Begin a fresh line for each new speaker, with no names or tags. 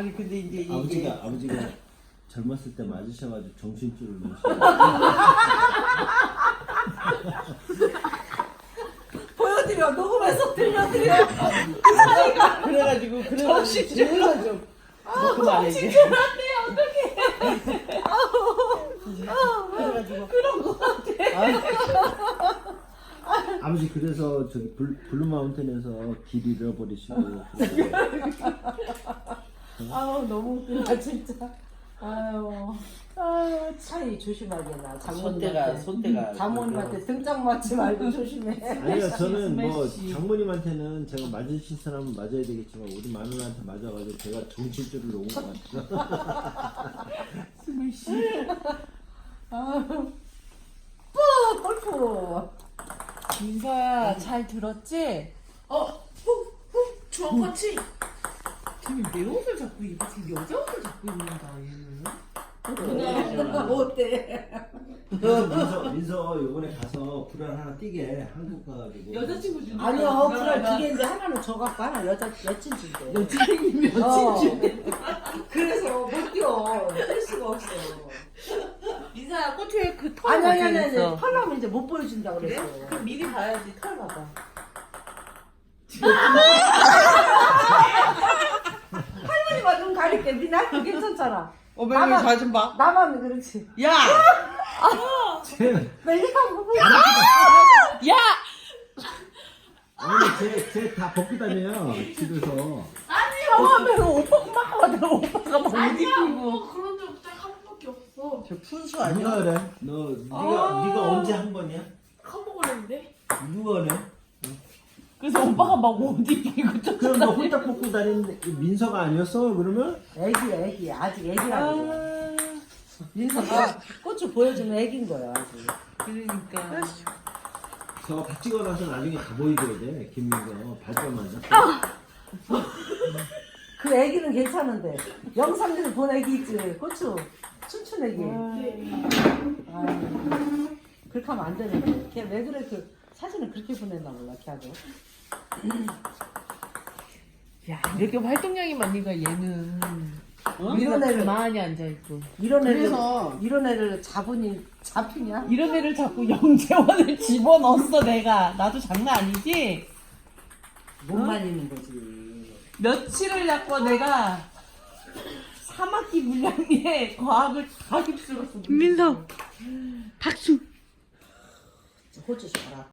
아니 근데 이제 이게
아버지가 젊었을 때 맞으셔가지고 정신줄을 놓으시고.
보여드려. 녹음해서 들려드려.
그래가지고
정신줄
좀 그만해 이제.
그래가지고
그런 거 같아.
아버지 그래서 저기 블루마운틴에서 길 잃어버리시고.
아우 너무 웃기다 진짜. 아유 차이 조심하게나
손대가
장모님한테 등짝 맞지 말고 조심해.
아니요 저는 뭐
스매시.
장모님한테는 제가 맞으신 사람은 맞아야 되겠지만 우리 마누라한테 맞아가지고 제가 정신줄을 놓은 것 같아요.
스매시.
뿌 골프.
민서야 잘 들었지?
주황같이
지금 내 옷을 자꾸 입어. 지금 여자 옷을 자꾸 입는다 얘는.
어때?
민서 요번에 가서 불알 하나 띄게 한국 가가지고.
여자친구 주는
아니요 그래 두 개인데 하나는 저 갖고 하나 여친 준대.
여친이
어.
여친 주.
그래서 못 뛰어. 뛸 수가 없어.
민서야 꽃에 그 털.
아니 털나면 이제 못 보여준다 그랬어.
그럼 미리 봐야지 털 봐봐.
할머니가 눈 가릴게. 니나 괜찮잖아.
어머니
나만-
잘좀 봐.
나만 그렇지.
야!
멜리가 보고
야!
아니 쟤다 벗고 다녀요 집에서.
하면 오빠가 막 어디 입고.
그런 적 딱 한 번밖에 없어.
저 푼수
누가 그래? 네가 언제 한 번이야?
한 번을 했는데
누가 그래?
그래서 오빠가 막 옷 입고 저
그럼 너 홀딱 벗고 다니는데 민서가 아니었어 그러면?
애기 아직 애기라고. 민서가 꽃을 보여주면 애기인 거야 아직.
그러니까
저거 다 찍어놔서 나중에 다 보여줘야 돼 김민서 발전만.
그 애기는 괜찮은데 영상에서 본 애기 있지 고추 춤춘 애기. 아유, 그렇게 하면 안 되는데 걔 왜 그래 그 사진을 그렇게 보냈나 몰라 걔하고.
야 이렇게 활동량이 많으니까 얘는
이런 애를
가만히 앉아있고
이런 애를
그래서-
이런 애를 잡히냐?
이런 애를 자꾸 영재원을 집어넣었어 내가. 나도 장난 아니지?
못 말리는 거지.
며칠을 잡고 내가 3학기 분량에 과학을 다 휩쓸었어. 민서 박수.
호주 줘라.